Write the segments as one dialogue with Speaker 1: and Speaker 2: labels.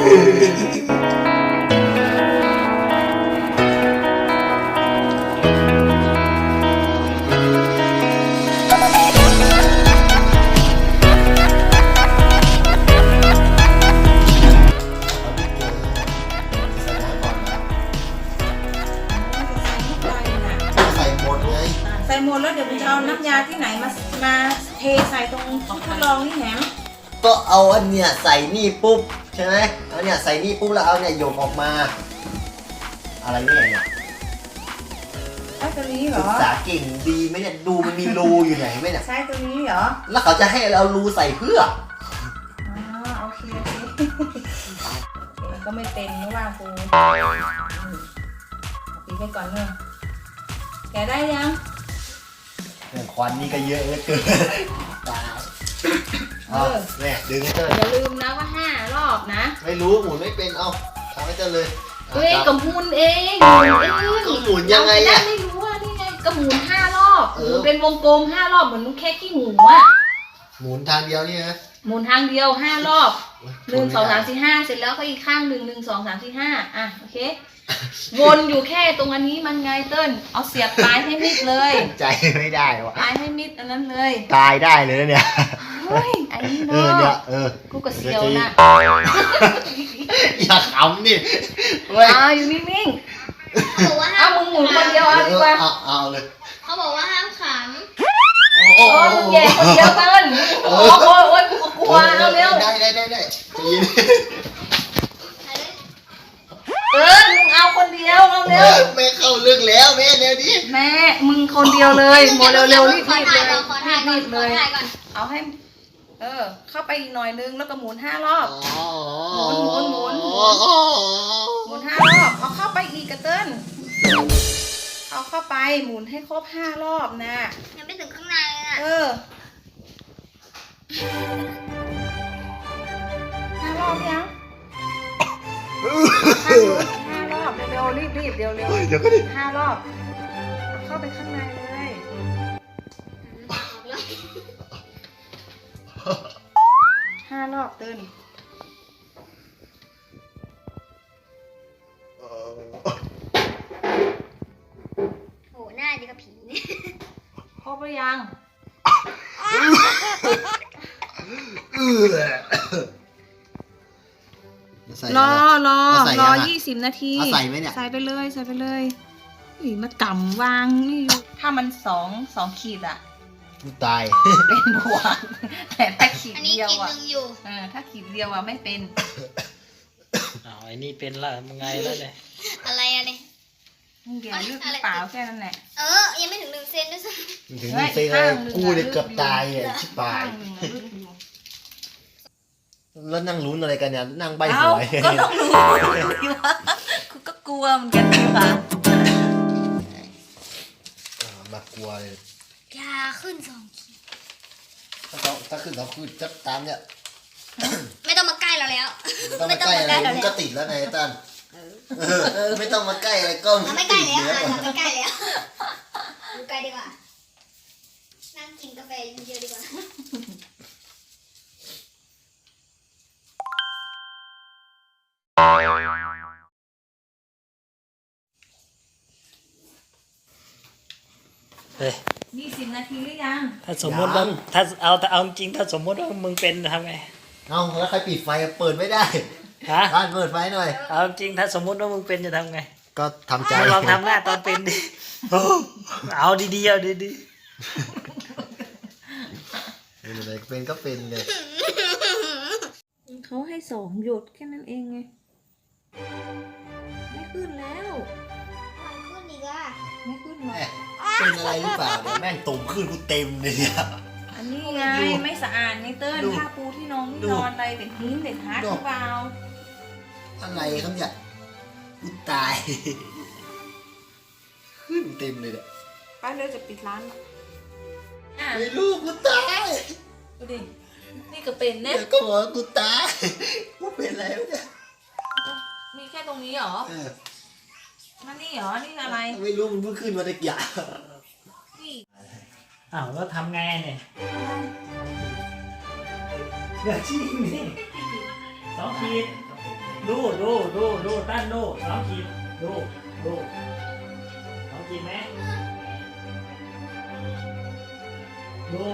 Speaker 1: ใส่หมดไง
Speaker 2: ใส่หมดแล้วเดี๋ยวมึงจะเอาน้ำยาที่ไหนมาเทใส่ตรงที่ทดลองนี่แหนม
Speaker 1: ก็เอาอันเนี้ยใส่นี่ปุ๊บใช่ไหมเอาเนี่ยใส่นี่ปุ๊บแล้วเอาเนี่ยโยกออกมา อะไรเนี่ย
Speaker 2: ใช้ตัวนี้เหร
Speaker 1: ศึ
Speaker 2: อก
Speaker 1: ษาเก่งดีไหมเนี่ยดูมันมีรูอยู่ไหนไหมเนี่ย
Speaker 2: ใช้ตัวนี้เหรอ
Speaker 1: แล้วเขาจะให้เรารูใส่เพื่อ
Speaker 2: อ๋อโอเคก็ไม่เป็นไม่ว่ากูตีไปก่อนเนอะแกะได้ยัง
Speaker 1: อย่างควันนี่ก็เยอะเหลือเกินตายเนี่ยดึงให้เจ้า
Speaker 2: อย่าลืมนะว่า5 รอบนะ
Speaker 1: ไม่รู้หมุนไม่เป็นเอาทำให้เจ้าเลย
Speaker 2: เฮ้ยกับหมุนเอง
Speaker 1: ก็หมุนยังไงอะ
Speaker 2: ไม่รู้ว่านี่ไงก็หมุน5 รอบ
Speaker 1: เอ
Speaker 2: ห
Speaker 1: อ
Speaker 2: มุนเป็นวงกลม5 รอบเหมือนแค่ขี้หมูอะ
Speaker 1: หมุนทางเดียวนี่นะ
Speaker 2: หมุนทางเดียว5 รอบ1 2 3 4 5เสร็จแล้วก็อีกข้างหนึ่ง1 2 3 4 5อ่ะโอเควนอยู่แค่ตรงอันนี้มันไงเติ้ลเอาเสียบปลายให้มิดเลย
Speaker 1: ใจไม่ได้วะ
Speaker 2: ปลายให้มิดอันนั้นเลย
Speaker 1: ตายได้เลยนะเนี่ย
Speaker 2: เฮ้ยไอ้นี่
Speaker 1: เนี่ย
Speaker 2: เนาะกูก็เสียวนะ
Speaker 1: อย่าขำดิเว้ย
Speaker 2: อยู่นิ่ง
Speaker 3: เขาบอกว่า
Speaker 2: ๆ
Speaker 3: ห้า
Speaker 2: เอา
Speaker 3: ม
Speaker 2: มึงหมุนคนเดียวเอาดีกว่า
Speaker 1: เอาเลย
Speaker 3: เขาบอกว่าห้ามข
Speaker 1: โอ้
Speaker 2: มึงแย่คนเดียวเติ้ลโอ้ยกูก็กลัวเอาเร็ว
Speaker 1: ได้ใจเย็น
Speaker 3: ำ
Speaker 2: มึงเอาคนเดียวเอาเร็ว
Speaker 1: แม่เข้าเรื่องแล้วแม่เดี๋ยวนี้
Speaker 2: แม่มึงคนเดียวเลยโมเร็วๆรีบ
Speaker 3: ขอ
Speaker 2: ๆ
Speaker 3: ถ่า
Speaker 2: เลย ย
Speaker 3: ก่อนขอถ่ายก่อน
Speaker 2: รีบ
Speaker 3: ข
Speaker 2: ๆเล
Speaker 3: อย ถ่ายก่อน
Speaker 2: เอาให้เข้าไปอีกหน่อยนึงแล้วก็หมุน5 รอบ หมุนห5 รอบเอาเข้าไปอีกกระเติ้ลเอาเข้าไปหมุนให้ครบ5 รอบนะ
Speaker 3: ยังไม่ถึงข้างในเลยน่ะ
Speaker 2: 5 รอบยัง5 รอบเร็วๆรีบๆเร็ว
Speaker 1: เดี๋ยวก็ดิ
Speaker 2: ๆ5 รอบเอาเข้าไปข้างในเลย5 รอบเติ้ล
Speaker 3: โอ้หน้าดีกับผีเนี่ย
Speaker 2: ครบหรือยังรอ20 นาที
Speaker 1: ใส่ไหมเนี่ย
Speaker 2: ใส่ไปเลยนี่มากำวางนี่อยู่ถ้ามัน2 ขีดอะ
Speaker 1: ตาย
Speaker 2: เป็นบวกแต่ถ้าขีด
Speaker 3: อันนี้
Speaker 2: เดียว
Speaker 3: กิน
Speaker 2: อะ
Speaker 3: หนึ่งอยู่
Speaker 2: ถ้าขีดเดียวอะไม่เป็น
Speaker 4: เอาไอ้นี่เป็นละมึงไงแล้วเนี่ย
Speaker 3: อะไรอะเนี่ย
Speaker 2: มึงเดี๋ยวลืดหรือเปล่าแค่นั้นแหละ
Speaker 3: ยังไม่ถึง1 เซนด้วยซ้
Speaker 1: ถึงนี่เซ็งเลยกูเนี่ยเกือบตายเนี่ยชิบหาย
Speaker 2: ข้างหนึ่งอะลืดอยู่
Speaker 1: แล้วนั่งลุ้นอะไรกันเนี่ยนั่งใบห
Speaker 2: เอ้า
Speaker 1: วย
Speaker 2: ก็ต้องรู้อยู่ว่ากูก็กลัวเหมือนกันดีว่ะ
Speaker 1: มากลัวเลย
Speaker 3: ำยาขึ้น2 ขีด
Speaker 1: ถ้าขึ้นเขาคือจะตามเนี่ย
Speaker 3: ไม่ต้องมาใกล้เราแล้ว
Speaker 1: ไม่ต้องมาใกล้อะไรมึงก็ติดแล้วไงตันไม่ต้องมาใกล้อะไรก็
Speaker 3: เราไม่ใกล้แล้วเราไม่ใกล้แล้วดูใกล้ดีกว่า นั่งกินกาแฟเยอะๆดีกว่า
Speaker 4: เฮ้ย
Speaker 2: 20 นาทีหรือยัง
Speaker 4: ถ้าสมมติว่าถ้าเอาจริงถ้าสมมติว่ามึงเป็นทำไง
Speaker 1: เอาแล้วใครปิดไฟเปิดไม่ได้
Speaker 4: ฮะ
Speaker 1: บ้านเปิดไฟหน่อย
Speaker 4: เอาจริงถ้าสมมติว่ามึงเป็นจะทำไง
Speaker 1: ก็ทำใจ
Speaker 4: ลองทำหน้าตอนเป็นดิเอาดีๆเอาดี
Speaker 1: เป็นอะไรเป็นก็เป็นเลย
Speaker 2: เขาให้2 หยดแค่นั้นเองไงไม่ขึ้นแล้ว
Speaker 3: มันขึ้นอีกอ่ะ
Speaker 2: ไม่ขึ้นหรอก
Speaker 1: เป็นอะไรหรือเปล่าเนี่ยแม่งตุ่มขึ้นกูเต็มเลยเนี่ย
Speaker 2: อันนี้ไงไม่สะอาดไงเติ้ล
Speaker 1: ดู
Speaker 2: ผ้าปูที่น้อง
Speaker 1: ดู
Speaker 2: นอนอะไรเด็กหินเด็กฮาร์ดหรือเปล่า
Speaker 1: อะไรครับเนี่ยกูตาย ขึ้นเต็มเลยเนี่ย
Speaker 2: ป้าเลยจะปิดร้านละอ่ะ
Speaker 1: ไม่รู้กูตาย
Speaker 2: ดูดินี่ก็เป็นนะ
Speaker 1: เดี๋ยวก็บอกว่ากูตายกูเป็นอะไรวะเนี่ย
Speaker 2: มีแค่ตรงนี้เหรอ
Speaker 1: เออ
Speaker 2: นั่นนี่เหรอนี่อะไร
Speaker 1: ไม่รู้มันเพิ่งขึ้นมาตะกี้
Speaker 2: นี่
Speaker 4: ๆอ้าวแล้วทำไงเนี่ยอย่าชี้นี่2 ขีดดูตั้นดูน้องขีดดูน้องขีดไหมดู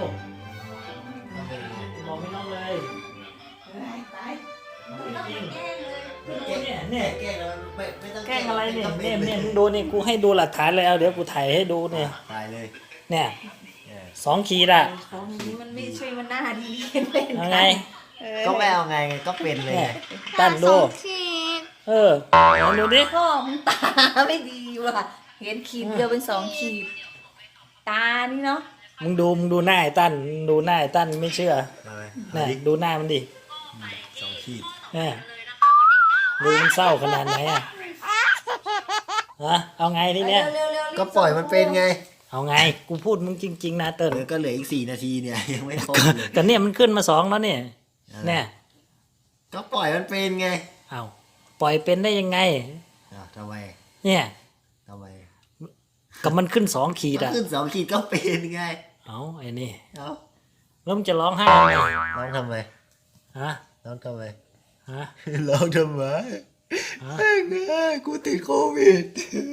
Speaker 4: บอกไม่น้องเลย
Speaker 2: ตาย
Speaker 4: จริง
Speaker 3: แกล้งเลย
Speaker 4: เนี่ย
Speaker 1: แกล้งแล้วไม่ต้อง
Speaker 4: แกล้งอะไรเนี่ย
Speaker 1: ก็ป็
Speaker 4: เนี่ยมึงดูนี่กูให้ดูหลักฐานเลยเอาเดี๋ยวกูถ่ายให้ดูเนี่ย
Speaker 1: ตายเลย
Speaker 4: เนี่ย
Speaker 1: เออ
Speaker 4: 2 ขีดอ่ะ
Speaker 2: ของนี้มันไม่ช่วยมันหน้าดีเป็น
Speaker 4: เอาไง
Speaker 1: ก็ไม่เอาไงก็เป็นเลย
Speaker 4: เนี่ย
Speaker 1: ไง
Speaker 4: ตั้นดู
Speaker 3: ขีด
Speaker 4: เอาดูดิ
Speaker 2: ก็มึงตาไม่ดีว่ะเห็นขีดเดียวเป็น2 ขีด ตานี่เนาะ
Speaker 4: มึงดูหน้าไอ้ตั้นดูหน้าไอ้ตั้นไม่เชื่อ
Speaker 1: เอาไป
Speaker 4: เนี่ยดูหน้ามันดิ
Speaker 1: 2 ขีด
Speaker 4: เนี่ยดูมันเศร้าขนาดไหนอ่ะฮะเอาไงทีเนี้ย
Speaker 2: เร็วๆ
Speaker 1: ก็ปล่อยมันเป็นไง
Speaker 4: เอาไงกูพูดมึงจริงๆนะเติ้ล
Speaker 1: ก็เหลืออีก4 นาทีเนี่ยยังไม่ครบเลย
Speaker 4: ก็เนี่ยมันขึ้นมา2แล้วเนี่ยเนี่ย
Speaker 1: ก็ปล่อยมันเป็นไง
Speaker 4: เอาปล่อยเป็นได้ยังไง
Speaker 1: ทำไม
Speaker 4: เนี่ย
Speaker 1: ทำไม
Speaker 4: กับมันขึ้น2 ขีด
Speaker 1: ก็
Speaker 4: อ่ะ
Speaker 1: ขึ้น2 ขีดก็เป็นไง
Speaker 4: เอาไอ้นี่
Speaker 1: เอ้า
Speaker 4: แล้วมึงจะร้องไห้ทำไม
Speaker 1: ร้องทำไม
Speaker 4: ฮะ
Speaker 1: ร้องทำไม
Speaker 4: ฮะ
Speaker 1: ร้องทำไม
Speaker 4: ฮะ
Speaker 1: กูติดโควิด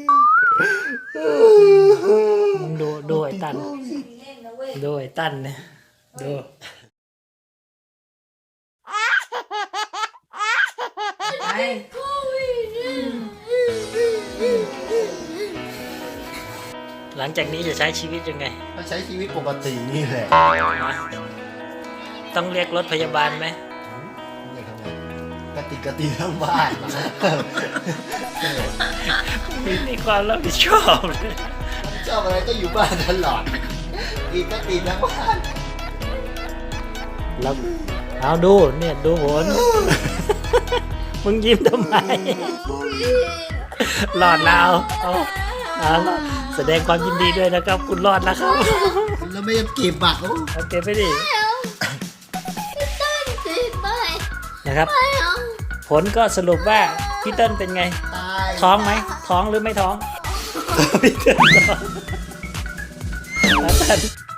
Speaker 4: มึงดูไอ้ตั้น
Speaker 2: ๆเล่นนะเว้ย
Speaker 4: ดูไอ้ตั้นเนี่ยดู
Speaker 2: ไป
Speaker 4: หลังจากนี้จะใช้ชีวิตยังไง
Speaker 1: ก็ใช้ชีวิตปกตินี่แหละ
Speaker 4: ต้องเรียกรถพยาบาลไหม
Speaker 1: นี่ทำไงกติทั้งบ้าน
Speaker 4: ไม่มีความรับผิดชอบเลย
Speaker 1: ชอบอะไรก็อยู่บ้านตลอดอีกก็ติดทั้งบ้าน
Speaker 4: แล้วเอาดูเนี่ยดูผล มึงยิ้มทำไมรอดแล้วเอาแสดงความยินดีด้วยนะครับ คุณรอดแล้วครับ
Speaker 1: แล้วไม่ยังเก็บบัตร
Speaker 4: โอเคไปดิ
Speaker 3: พี่ต้นขีดไป
Speaker 4: นะครับ
Speaker 3: ไม่เอา
Speaker 4: ผลก็สรุปว่าพี่เติ้ลเป็นไง
Speaker 1: ตาย
Speaker 4: ท้องไหมท้องหรือไม่ท้อง พี่เติ้ลท้องแล้วเติ้ล